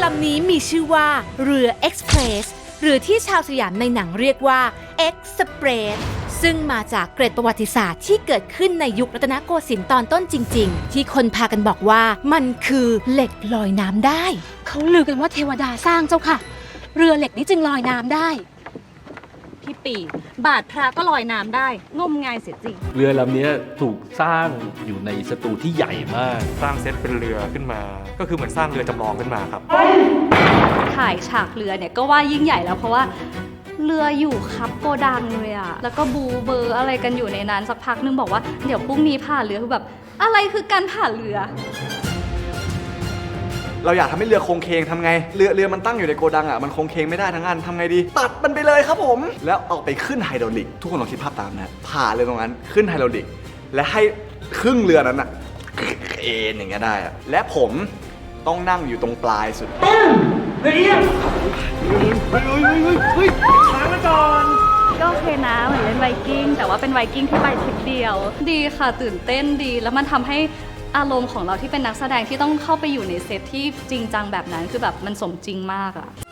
ำนี้มีชื่อว่าเรือเอ็กซ์เพรสหรือที่ชาวสยามในหนังเรียกว่าเอ็กซ์เพรสซึ่งมาจากเกร็ดประวัติศาสตร์ที่เกิดขึ้นในยุครัตนโกสินทร์ตอนต้นจริงๆที่คนพากันบอกว่ามันคือเหล็กลอยน้ำได้เขาลือกันว่าเทวดาสร้างเจ้าค่ะเรือเหล็กนี้จึงลอยน้ำได้พี่ปีบาทพระก็ลอยน้ำได้งมงายเสียจริงเรือลำนี้ถูกสร้างอยู่ในสตูที่ใหญ่มากสร้างเซตเป็นเรือขึ้นมาก็คือเหมือนสร้างเรือจำลองขึ้นมาครับถ่ายฉากเรือเนี่ยก็ว่ายิ่งใหญ่แล้วเพราะว่าเรืออยู่ครับโกดังเลยอะแล้วก็บูเบอร์อะไรกันอยู่ในนั้นสักพักนึงบอกว่าเดี๋ยวพรุ่งนี้ผ่านเรือคือแบบอะไรคือการผ่านเรือเราอยากทำให้เรือโคงเคงทำไงเรือมันตั้งอยู่ในโกดังอ่ะมันโคงเคงไม่ได้ทั้งอันทำไงดีตัดมันไปเลยครับผมแล้วเอาไปขึ้นไฮดรอลิกทุกคนลองคิดภาพตามนะผ่าเลยตรงนั้นขึ้นไฮดรอลิกและให้ครึ่งเรือนั้นอ่ะเอ็นอย่างเงี้ยได้อ่ะและผมต้องนั่งอยู่ตรงปลายสุดก็โอเคนะเหมือนเล่นไวกิ้งแต่ว่าเป็นไวกิ้งที่ไปทริปเดียวดีค่ะตื่นเต้นดีแล้วมันทำให้อารมณ์ของเราที่เป็นนักแสดงที่ต้องเข้าไปอยู่ในเซตที่จริงจังแบบนั้นคือแบบมันสมจริงมากอะ